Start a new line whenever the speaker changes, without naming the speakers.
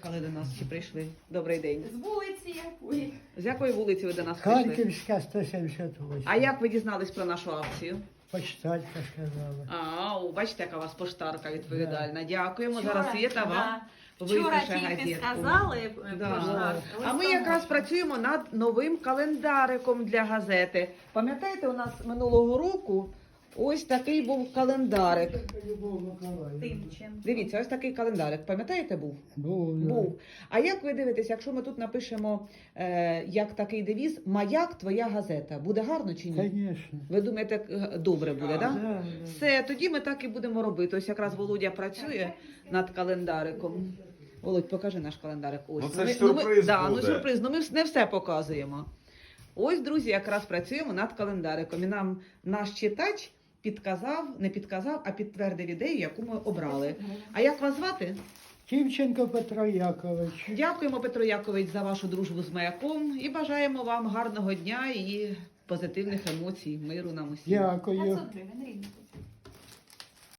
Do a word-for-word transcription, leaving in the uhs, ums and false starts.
приїхали до нас чи прийшли? Добрий день.
З вулиці якої?
З якої вулиці ви до нас прийшли?
Харківська сто сімдесят вісім.
А як ви дізнались про нашу акцію?
Почталька сказала.
А, о, бачите, яка у вас поштарка відповідальна. Дякуємо.
Вчора,
Зараз Свєта вам
да.
випише
Вчора тільки
газетку.
сказали, е,
Да.
поштар,
А ми якраз працюємо над новим календариком для газети. Пам'ятаєте, у нас минулого року ось такий був календарик.
Любов Миколаївна.
Тимчин.
Дивіться, ось такий календарик. Пам'ятаєте, був?
Був, да.
Був. А як ви дивитесь, якщо ми тут напишемо е, як такий девіз «Маяк, твоя газета», буде гарно чи ні?
Конечно.
Ви думаєте, е, добре буде, так? Да?
Да, да.
Все, тоді ми так і будемо робити. Ось якраз Володя працює над календариком. Володь, покажи наш календарик. Ось.
Ну, це
ми,
ж сюрприз
ми, да,
буде.
ну сюрприз, ну ми не все показуємо. Ось, друзі, якраз працюємо над календариком. І нам наш читач підказав, не підказав, а підтвердив ідею, яку ми обрали. А як вас звати?
Тимченко Петро Якович.
Дякуємо, Петро Якович, за вашу дружбу з маяком і бажаємо вам гарного дня і позитивних емоцій, миру нам усім.
Дякую.
п'ятсот гривень рівно.